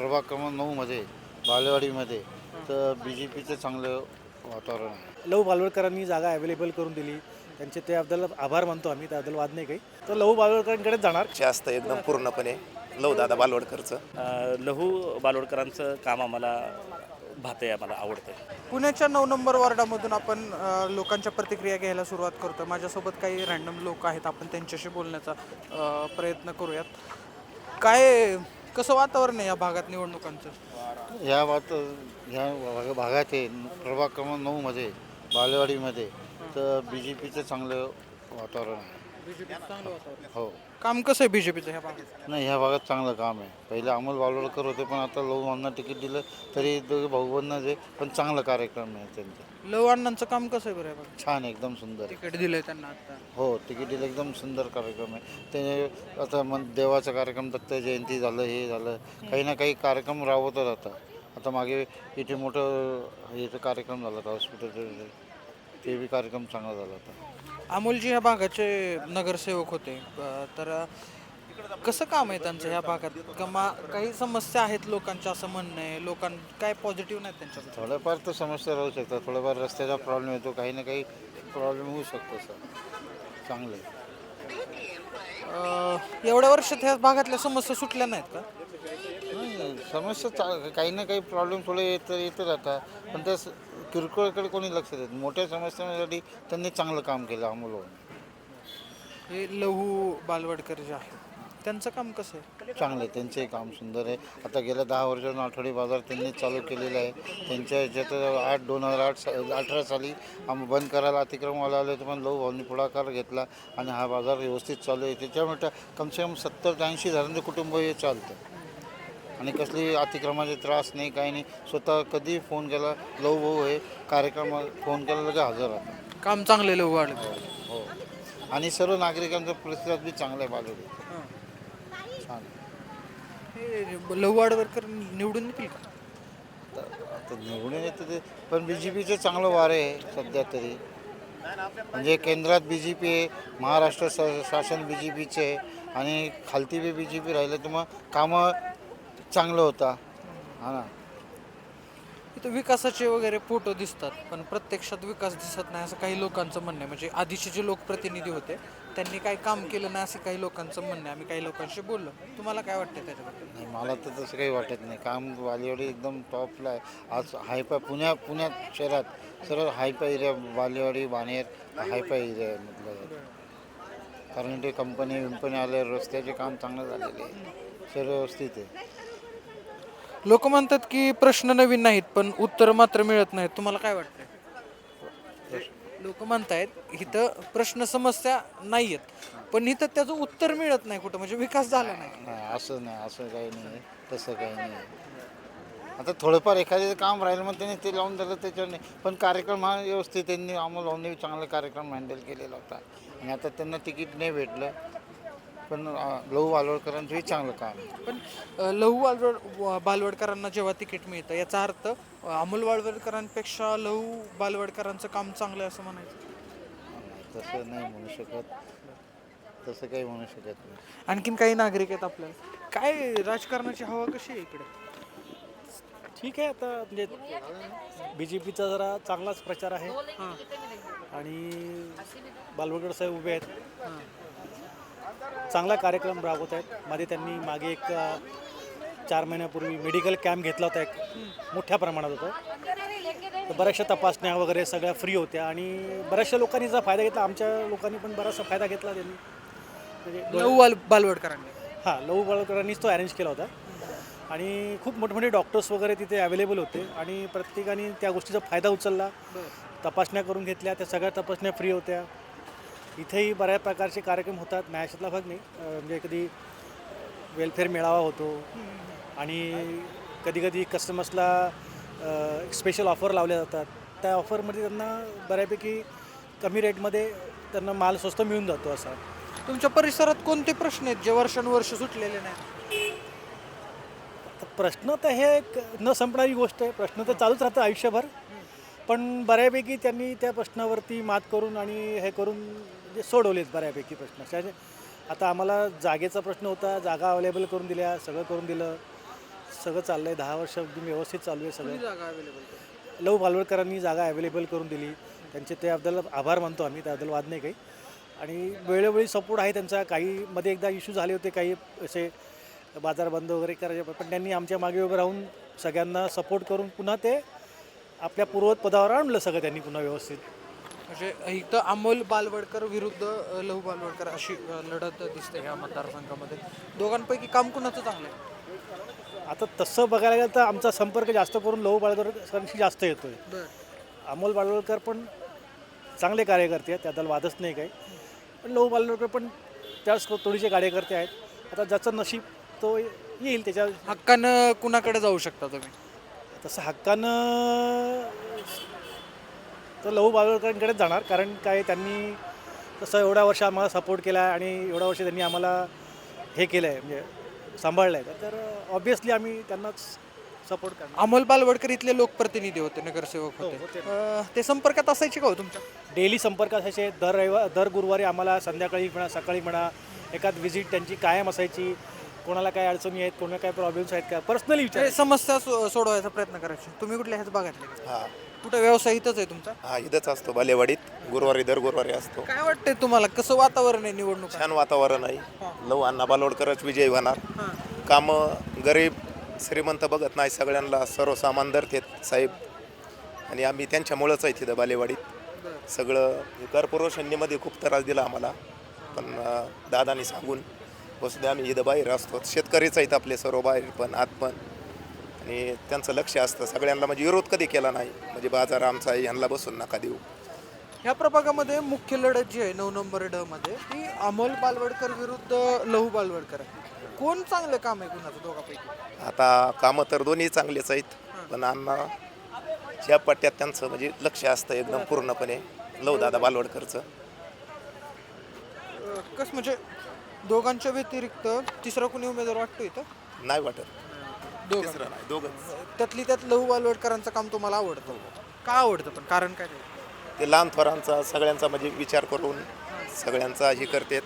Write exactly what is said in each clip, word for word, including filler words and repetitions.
प्रभाग क्रमांक नऊमध्ये बालेवाडीमध्ये तर बी जे पीचं चांगलं वातावरण आहे. लहू बालवडकरांनी जागा अवेलेबल करून दिली, त्यांचे त्याबद्दल आभार मानतो आम्ही, त्याबद्दल वाद नाही काही. तर लहू बालवडकरांकडेच जाणार. जास्त एकदम पूर्णपणे लवदादा बालवडकरचं. अ, लहू बालवडकरांचं काम आम्हाला भाते आम्हाला आवडतं. पुण्याच्या नऊ नंबर वॉर्डामधून आपण अ, लोकांच्या प्रतिक्रिया घ्यायला सुरुवात करतो. माझ्यासोबत काही रँडम लोक आहेत, आपण त्यांच्याशी बोलण्याचा अ, प्रयत्न करूयात. काय कसं वातावरण आहे या भागात निवडणुकांचं? ह्या वात ह्या भाग- भागात आहे प्रभाग क्रमांक नऊमध्ये बालेवाडीमध्ये तर बी जे पीचं चांगलं वातावरण आहे. चांगलं वातावरण. हो, काम कसं आहे बीजेपीचं ह्या भागात? नाही ह्या भागात चांगलं काम आहे. पहिले अमोल बालवडकर होते, पण आता लहूमांना तिकीट दिलं तरी दोघे भाऊबंधच आहे, पण चांगला कार्यक्रम आहे त्यांचा. लव अण्णांचं काम कसं आहे बरं या भागात? छान आहे, एकदम सुंदर आहे. तिकीट दिलंय त्यांना आता. हो, तिकीट दिलं, एकदम सुंदर कार्यक्रम आहे. ते आता मन देवाचा कार्यक्रम, दत्त जयंती झालं, हे झालं, काही ना काही कार्यक्रम राबवतात आता. आता मागे इथे मोठं इथं कार्यक्रम झाला होता हॉस्पिटल, ते बी कार्यक्रम चांगला झाला होता. अमोलजी ह्या भागाचे नगरसेवक होते, अ, तर कसं काम आहे त्यांचं ह्या भागात? कमा काही समस्या आहेत लोकांच्या असं म्हणणं आहे. लोकां काय पॉझिटिव्ह नाहीत त्यांच्याबद्दल? थोड्याफार तर समस्या राहू शकतात, थोडाफार रस्त्याचा प्रॉब्लेम येतो, काही ना काही प्रॉब्लेम होऊ शकतो सर. चांगलं आहे. अ, एवढ्या वर्षात ह्या भागातल्या समस्या सुटल्या नाहीत का? नाही, समस्या चा काही ना काही प्रॉब्लेम थोडे येत येत राहतात, पण त्या स- किरकोळकडे कोणी लक्ष देत नाही. मोठ्या समस्यांसाठी त्यांनी चांगलं काम केलं अमोल. हे लहू बालवडकर जे आहे त्यांचं काम कसं आहे? चांगलं आहे, त्यांचंही काम सुंदर आहे. आता गेल्या दहा वर्षातून आठवडी बाजार त्यांनी चालू केलेला आहे. त्यांच्या ह्याच्यात आठ दोन हजार आठ सा अठरा साली आम बंद करायला अतिक्रमवाला आले होते, पण लहू भाऊंनी पुढाकार घेतला आणि हा बाजार व्यवस्थित चालू आहे. त्याच्यामुळे कमसे कम सत्तर ते ऐंशी हजारांचं कुटुंब हे चालतं आणि कसली अतिक्रमाचे त्रास नाही, काही नाही. स्वतः कधी फोन केला लहू भाऊ हे कार्यक्रम फोन केला लगे हजर राहतात. काम चांगलं आहे लहू बालवडकर. हो, आणि सर्व नागरिकांचा प्रतिसाद बी चांगला आहे बालवडी. छान. हे लहू बालवडकर निवडून येतील का? तर आता निवडून येतं ते, पण बी जे पीचं चांगलं वारं आहे सध्या तरी. म्हणजे केंद्रात बी जे पी आहे, महाराष्ट्र स शासन बी जे पीचं आहे आणि खालती बी बी जे पी राहिलं तर मग कामं चांगलं होता. हा ना. इथं विकासाचे वगैरे फोटो दिसतात, पण प्रत्यक्षात विकास दिसत नाही असं काही लोकांचं म्हणणं आहे. म्हणजे आधीचे जे लोकप्रतिनिधी होते त्यांनी काही काम केलं नाही असं काही लोकांचं म्हणणं आहे. आम्ही काही लोकांशी बोललो. तुम्हाला काय वाटतं त्याच्याबद्दल? नाही, मला तर तसं काही वाटत नाही. काम बालेवाडी एकदम टॉपला आहे. आज हायफाय पुण्या पुण्यात शहरात सर्व hifi area Balewadi Baner hifi area आहे म्हटलं जातं. कारण ते कंपनी विंपनी आले, रस्त्याचे काम चांगलं झालेले आहे, सर्व व्यवस्थित आहे. लोक म्हणतात की प्रश्न नवीन नाहीत, पण उत्तर मात्र मिळत नाहीत. तुम्हाला काय वाटतं? लोक म्हणतायत इथं प्रश्न समस्या नाही आहेत, पण इथं त्याचं उत्तर मिळत नाही कुठं, म्हणजे विकास झाला नाही. नाही, असं नाही, असं काही नाही, तसं काही नाही. आता थोडंफार एखादं काम राहिलं मग त्यांनी ते लावून दिलं, त्याच्यावर नाही. पण कार्यक्रम हा व्यवस्थित त्यांनी अमोल भाऊंनी चांगला कार्यक्रम हँडल केलेला होता आणि आता त्यांना तिकीट नाही भेटलं, पण अं, लहू बालवडकरांचंही चांगलं काम आहे. पण अ, लहू बालवड बालवडकरांना जेव्हा तिकीट मिळतं याचा अर्थ अ, अमोल बालवडकरांपेक्षा लहू बालवडकरांचं काम चांगलं आहे असं म्हणायचं? नाही, तसं नाही म्हणू शकत, तसं काही म्हणू शकत नाही. आणखीन काही नागरिक आहेत आपल्याला. काय राजकारणाची हवा कशी आहे इकडे? ठीक आहे, आता म्हणजे बी जे पीचा जरा चांगलाच प्रचार आहे हां आणि बालवडकर साहेब उभे आहेत, हां चांगला कार्यक्रम राबवत आहेत. मध्ये त्यांनी मागे एक अ, चार महिन्यापूर्वी मेडिकल कॅम्प घेतला होता, एक मोठ्या प्रमाणात होता. तर बऱ्याचशा तपासण्या वगैरे सगळ्या फ्री होत्या आणि बऱ्याचशा लोकांनी त्याचा फायदा घेतला. आमच्या लोकांनी पण बराचसा फायदा घेतला त्यांनी. म्हणजे लहू बाल बालवडकरांनी. हां, लहू बालवडकरांनीच तो अरेंज केला होता आणि खूप मोठमोठे डॉक्टर्स वगैरे तिथे अवेलेबल होते आणि प्रत्येकाने त्या गोष्टीचा फायदा उचलला. तपासण्या करून घेतल्या, त्या सगळ्या तपासण्या फ्री होत्या. इथेही बऱ्याच प्रकारचे कार्यक्रम होतात, नाही अशातला भाग नाही. अं, म्हणजे कधी वेलफेअर मेळावा होतो आणि कधी कधी कस्टमर्सला स्पेशल ऑफर लावल्या जातात. त्या ऑफरमध्ये त्यांना बऱ्यापैकी कमी रेटमध्ये त्यांना माल स्वस्त मिळून जातो असा. तुमच्या परिसरात कोणते प्रश्न आहेत जे वर्षानुवर्ष सुटलेले नाहीत? तर प्रश्न तर हे एक न संपणारी गोष्ट आहे. प्रश्न तर चालूच राहतं आयुष्यभर, पण बऱ्यापैकी त्यांनी त्या प्रश्नावरती मात करून आणि हे करून म्हणजे सोडवलेत बऱ्यापैकी प्रश्न. त्याचे आता आम्हाला जागेचा प्रश्न होता, जागा अवेलेबल करून दिल्या, सगळं करून दिलं. सगळं चाललं आहे. दहा वर्ष अगदी व्यवस्थित चालू आहे सगळं. जागा अवेलेबल लव बालवडकरांनी जागा अवेलेबल करून दिली. त्यांचे त्याबद्दल आभार मानतो आम्ही, त्याबद्दल वाद नाही काही. आणि वेळोवेळी सपोर्ट आहे त्यांचा. काही मध्ये एकदा इश्यू झाले होते, काही असे बाजार बंद वगैरे करायचे, पण त्यांनी आमच्या मागे उभं राहून सगळ्यांना सपोर्ट करून पुन्हा ते आपल्या पूर्वत पदावर आणलं सगळं त्यांनी पुन्हा व्यवस्थित. म्हणजे इथं अमोल बालवडकर विरुद्ध अ, लहू बालवडकर अशी अ, लढत दिसते ह्या मतदारसंघामध्ये. दोघांपैकी काम कुणाचं चांगलं आहे? आता तसं बघायला गेलं तर आमचा संपर्क जास्त करून लहू बालवडकरांशी जास्त येतो आहे. अमोल बालवडकर पण चांगले कार्यकर्ते आहेत, त्याबद्दल वादच नाही काही. पण लहू बालवडकर पण त्याच थोडीसे कार्यकर्ते आहेत. आता ज्याचं नशीब तो येईल त्याच्या. हक्कानं कुणाकडे जाऊ शकता तुम्ही? तसं हक्कानं तर लहू बालवडकरांकडेच जाणार, कारण काय त्यांनी तसं एवढ्या वर्ष आम्हाला सपोर्ट केला आहे आणि एवढ्या वर्ष त्यांनी आम्हाला हे केलं आहे, म्हणजे सांभाळलं आहे. तर ऑब्व्हियसली आम्ही त्यांनाच सपोर्ट करणार. अमोल बालवडकर इथले लोकप्रतिनिधी होते, नगरसेवक हो, होते. होते. अ, ते संपर्कात असायचे का हो तुमच्या? डेली संपर्क असायचे. दर रविवार दर गुरुवारी आम्हाला संध्याकाळी म्हणा सकाळी म्हणा एखाद व्हिजिट त्यांची कायम असायची. कोणाला काय अडचणी आहेत, कोणाला काय प्रॉब्लेम्स आहेत का पर्सनली विचार. ते समस्या सो- सोडवायचा प्रयत्न करायचे. तुम्ही कुठल्या ह्याच भागातले का? हा कुठं व्यवसाय इथंच आहे तुमचा? हा इथंच असतो बालेवाडीत, गुरुवारी दर गुरुवारी असतो. काय वाटतंय तुम्हाला, कसं वातावरण आहे निवडणूक? छान वातावरण आहे. लव अण्णा बालोडकरच विजयी होणार. कामं गरीब श्रीमंत बघत नाही, सगळ्यांना सर्वसामान धरतेत साहेब. आणि आम्ही त्यांच्यामुळंच आहे तिथं बालेवाडीत. सगळं कॉर्पोरेशनमध्ये खूप त्रास दिला आम्हाला, पण अं, दादानी सांगून बसले आम्ही इथं बाहेर असतो. शेतकरीच आहेत आपले सर्व बाहेर पण आत पण. आणि त्यांचं लक्ष असतं सगळ्यांना, म्हणजे विरोध कधी केला नाही, म्हणजे बाजार आमचा आहे, यांना बसून नका देऊ. ह्या प्रभागामध्ये मुख्य लढत जी आहे नऊ नंबर ड मध्ये ती अमोल बालवडकर विरुद्ध लहू बालवडकर आहे. कोण चांगलं काम आहे कुणाचं दोघांपैकी? आता कामं तर दोन्ही चांगलेच आहेत, पण अण्णा ज्या पट्ट्यात त्यांचं म्हणजे लक्ष असतं एकदम पूर्णपणे लव दादा बालवडकरचं. अ, कसं म्हणजे दोघांच्या व्यतिरिक्त तिसरा कोणी उमेदवार वाटतो इथं? नाही वाटत. दोघं तिसरं नाही, दोघंच. त्यातली त्यात लहू बालवडकरांचं काम तुम्हाला आवडतं का? आवडतं पण कारण काय? ते लहान थोरांचा सगळ्यांचा म्हणजे विचार करून सगळ्यांचा हे करतात.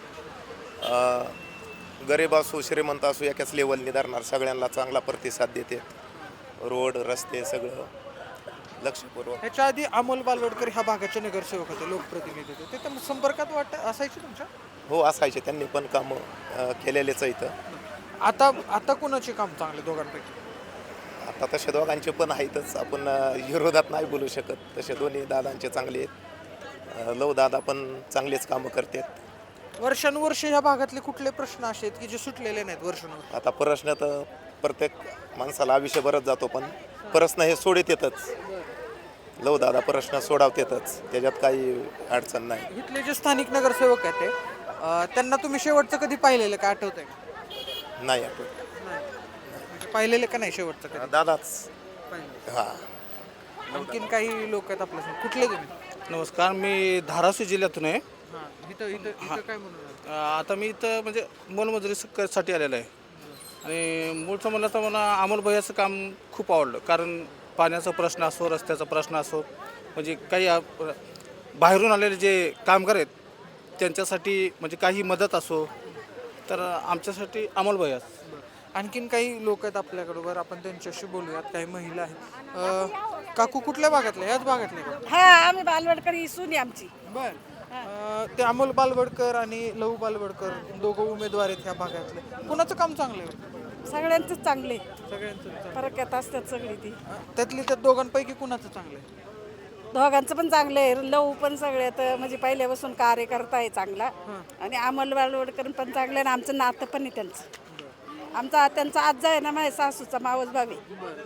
अं, गरीब असो श्रीमंत असो एकाच लेवलने धरणार, सगळ्यांना चांगला प्रतिसाद देते. रोड रस्ते सगळं लक्षपूर्वक. ह्याच्या आधी अमोल बालवडकर ह्या भागाचे नगरसेवक होते, लोकप्रतिनिधी होते. ते तर संपर्कात वाटत असायचे तुमच्या? हो असायचे, त्यांनी पण कामं अं, केलेलेच आहे इथं. आता आता कुणाचे काम चांगले दोघांपैकी? आता तसे दोघांचे पण आहेतच, आपण अं, विरोधात नाही बोलू शकत. तसे दोन्ही दादांचे चांगले आहेत. अं, लव दादा पण चांगलेच कामं करतात. वर्षानुवर्ष ह्या भागातले कुठले प्रश्न असे आहेत की जे सुटलेले नाहीत वर्षानुवर्ष? आता प्रश्न तर प्रत्येक माणसाला आयुष्यभरच जातो, पण प्रश्न हे सोडत येतच. लव दादा प्रश्न सोडवतेतच, त्याच्यात काही अडचण नाही. इथले जे स्थानिक नगरसेवक आहेत ते अं, त्यांना तुम्ही शेवटचं कधी पाहिलेलं का, आठवतंय का? नाही आठवत. म्हणजे पाहिलेलं का नाही शेवटचं कधी? दादाच. पाहिलं. हां आणखीन काही लोक आहेत आपल्या. कुठले तुम्ही? नमस्कार, मी धाराशिव जिल्ह्यातून आहे. हां इथं इथं इथं काय म्हणून अ, आता मी इथं म्हणजे मोलमजुरी स- साठी आलेलो आहे. आणि मूळचं म्हणलं तर मला अमोल भैयाचं काम खूप आवडलं, कारण पाण्याचा प्रश्न असो, रस्त्याचा प्रश्न असो, म्हणजे काही अ, बाहेरून आलेले जे कामगार आहेत त्यांच्यासाठी म्हणजे काही मदत असो, तर आमच्यासाठी अमोल भैयाच. आणखीन काही लोक आहेत आपल्याबरोबर, आपण त्यांच्याशी बोलूयात. काही महिला आहेत. अं, काकू कुठल्या भागातल्या? ह्याच भागातल्या का? हा आम्ही बालवडकर ही सून आहे आमची. बर. ते अमोल बालवडकर आणि लहू बालवडकर दोघं उमेदवार आहेत ह्या भागातले. कुणाचं काम चांगलं आहे? सगळ्यांचंच चांगले, सगळ्यांचं. फरक येत असतात सगळी ती. त्यातली त्या दोघांपैकी कुणाचं चांगलं आहे? दोघांचं पण चांगलं आहे. लव पण सगळ्यात म्हणजे पहिल्यापासून कार्यकर्ता आहे चांगला, आणि अमोल बालवडकर पण चांगलं आहे. आणि आमचं नातं पण आहे त्यांचं. आमचा त्यांचा आजा आहे ना, माझ्या सासूचा मावस भावी.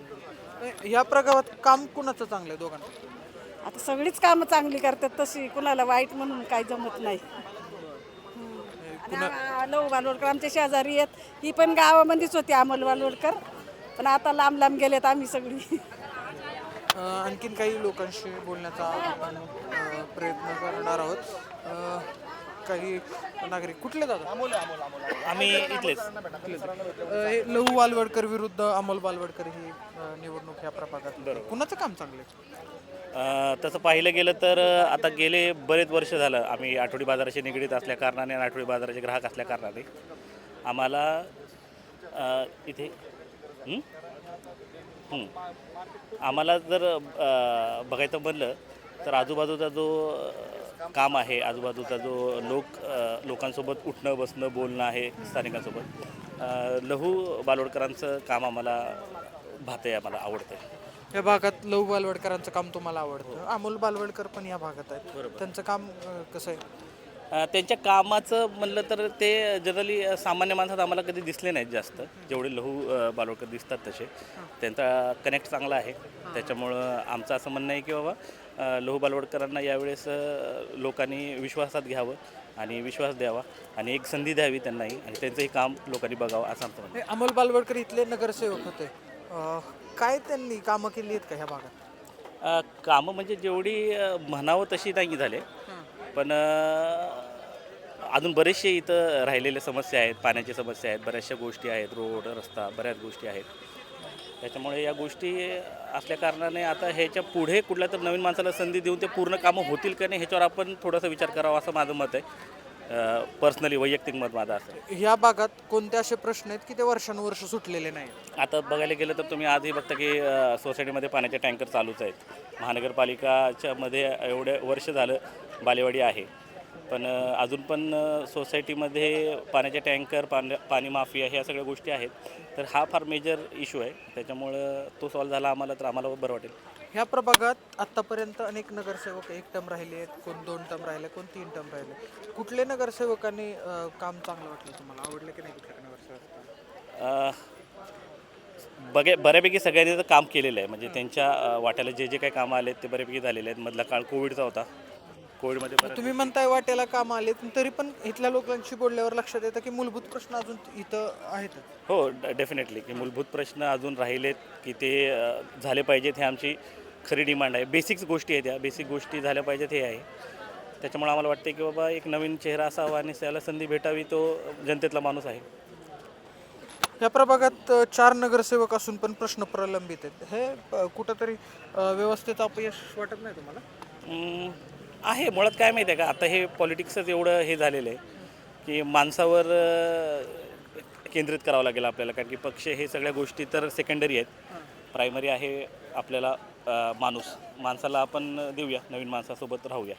या प्रभागात काम कुणाचं चांगलं आहे दोघांपैकी? आता सगळीच कामं चांगली करतात, तशी कुणाला वाईट म्हणून काही जमत नाही. आणि आ- लव बालवडकर आमच्या शेजारी आहेत. ही पण गावामध्येच होती अमोल बालवडकर, पण आता लांब लांब गेलेत आम्ही सगळी. अ, आणखीन काही लोकांशी बोलण्याचा आपण अ, प्रयत्न करणार आहोत. अ, काही नागरिक. कुठले दादा? आम्ही इथलेच. अ, हे लहू बालवडकर विरुद्ध अमोल बालवडकर ही अ, निवडणूक ह्या प्रभागात. कुणाचं काम चांगलं आहे? अ, तसं पाहिलं गेलं तर अ, आता गेले बरेच वर्ष झालं आम्ही आठवडी बाजाराशी निगडीत असल्या कारणाने आणि आठवडी बाजाराचे ग्राहक असल्या कारणाने आम्हाला अ, इथे हं? हं. आम्हाला जर अ, बघायचं म्हणलं तर आजूबाजूचा जो अ, काम आहे, आजूबाजूचा जो लोक अ, लोकांसोबत उठणं बसणं बोलणं आहे स्थानिकांसोबत, अ, लहू बालोडकरांचं काम आम्हाला भाते आम्हाला आवडतं आहे. या भागात लहू बालवडकरांचं काम तुम्हाला आवडतं. अमोल बालवडकर पण या भागात आहेत. त्यांचं काम अं, कसं आहे? अ, त्यांच्या कामाचं म्हणलं तर ते जनरली सामान्य माणसात आम्हाला कधी दिसले नाहीत जास्त, जेवढे लहू अ, बालोडकर दिसतात तसे. त्यांचा कनेक्ट चांगला आहे, त्याच्यामुळं आमचं असं म्हणणं आहे की बाबा अ, लहू बालोडकरांना यावेळेस अ, लोकांनी विश्वासात घ्यावं आणि विश्वास द्यावा आणि एक संधी द्यावी त्यांनाही आणि त्यांचंही काम लोकांनी बघावं असं आमचं म्हणणं हे अमोल बालवडकर इथले नगरसेवक होते. अं, काय त्यांनी कामं केली आहेत का ह्या भागात? आहे. अ, कामं म्हणजे जेवढी अ, म्हणावं तशी नाही झाले, पण अ, अजून बरेचसे इथं राहिलेल्या समस्या आहेत, पाण्याच्या समस्या आहेत, बऱ्याचशा गोष्टी आहेत, रोड रस्ता बऱ्याच गोष्टी आहेत. त्याच्यामुळे या गोष्टी असल्या कारणाने आता ह्याच्या पुढे कुठल्या तर नवीन माणसाला संधी देऊन ते पूर्ण कामं होतील का नाही ह्याच्यावर आपण थोडासा विचार करावा असं माझं मत आहे. पर्सनली वैयक्तिक मत माझं असं आहे. ह्या भागात कोणते असे प्रश्न आहेत की ते वर्षानुवर्ष सुटलेले नाहीत? आता बघायला गेलं तर तुम्ही आजही बघता की अ, सोसायटीमध्ये पाण्याचे टँकर चालूच आहेत. महानगरपालिकाच्या मध्ये एवढे वर्ष झालं बालेवाडी आहे, पण अ, अजून पण अ, सोसायटीमध्ये पाण्याचे टँकर पाणी पाणी माफिया ह्या सगळ्या गोष्टी आहेत. तर हा फार मेजर इश्यू आहे, त्याच्यामुळं तो सॉल्व्ह झाला आम्हाला तर आम्हाला बरं वाटेल. ह्या प्रभागात आत्तापर्यंत अनेक नगरसेवक एक टर्म राहिले आहेत, कोण दोन टर्म राहिले, कोण तीन टर्म राहिले. कुठल्या नगरसेवकांनी अं, काम चांगलं वाटलं तुम्हाला? आवडलं की नाही कुठल्या नगरसेवक? अ, बघे बऱ्यापैकी सगळ्यांनी तर काम केलेलं आहे, म्हणजे त्यांच्या अ, वाट्याला जे जे काही कामं आले ते बऱ्यापैकी झालेले आहेत. मधला काळ कोविडचा होता, कोविडमध्ये बऱ्याच तुम्ही म्हणताय वाट्याला काम आले, तरी पण इथल्या लोकांशी बोलल्यावर लक्षात येतं की मूलभूत प्रश्न अजून इथं आहेत. हो, डेफिनेटली की मूलभूत प्रश्न अजून राहिलेत की ते अ, झाले पाहिजेत, हे आमची खरी डिमांड आहे. बेसिक्स गोष्टी आहेत, या बेसिक गोष्टी झाल्या पाहिजेत हे आहे. त्याच्यामुळे आम्हाला वाटते की बाबा एक नवीन चेहरा असावा आणि त्याला संधी भेटावी, तो जनतेतला माणूस आहे. या प्रभागात अ, चार नगरसेवक असून पण प्रश्न प्रलंबित आहेत. हे अ, कुठंतरी अ, व्यवस्थेचं अपयश वाटत नाही तुम्हाला? अं, आहे मुळात काय माहिती आहे का, आता हे पॉलिटिक्सच एवढं हे झालेलं आहे की माणसावर अ, केंद्रित करावं लागेल आपल्याला, कारण की पक्ष हे सगळ्या गोष्टी तर सेकंडरी आहेत. प्रायमरी आहे आपल्याला अ, माणूस. माणसाला आपण देऊया, नवीन माणसासोबत राहूया.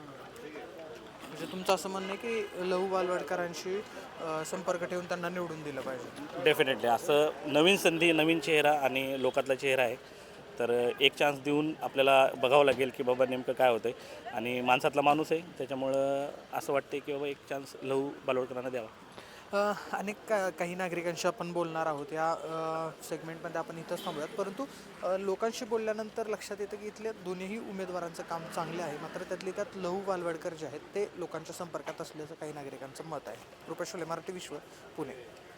म्हणजे तुमचं असं म्हणणं आहे की लहू बालवडकरांशी अ, संपर्क ठेवून त्यांना निवडून दिलं पाहिजे? डेफिनेटली असं नवीन संधी, नवीन चेहरा आणि लोकातला चेहरा आहे, तर एक चान्स देऊन आपल्याला बघावं लागेल की बाबा नेमकं काय होतं आहे. आणि माणसातला माणूस आहे, त्याच्यामुळं असं वाटतं की बाबा एक चान्स लहू बालोडकरांना द्यावा. अ, अनेक का काही नागरिकांशी आपण बोलणार आहोत या सेगमेंटमध्ये. आपण इथंच थांबूयात, परंतु अ, लोकांशी बोलल्यानंतर लक्षात येतं की इथल्या दोन्ही उमेदवारांचं काम चांगले आहे, मात्र त्यातले त्यात लहू बालवडकर जे आहेत ते लोकांच्या संपर्कात असल्याचं काही नागरिकांचं मत आहे. रुपेश शोले, मराठी विश्व, पुणे.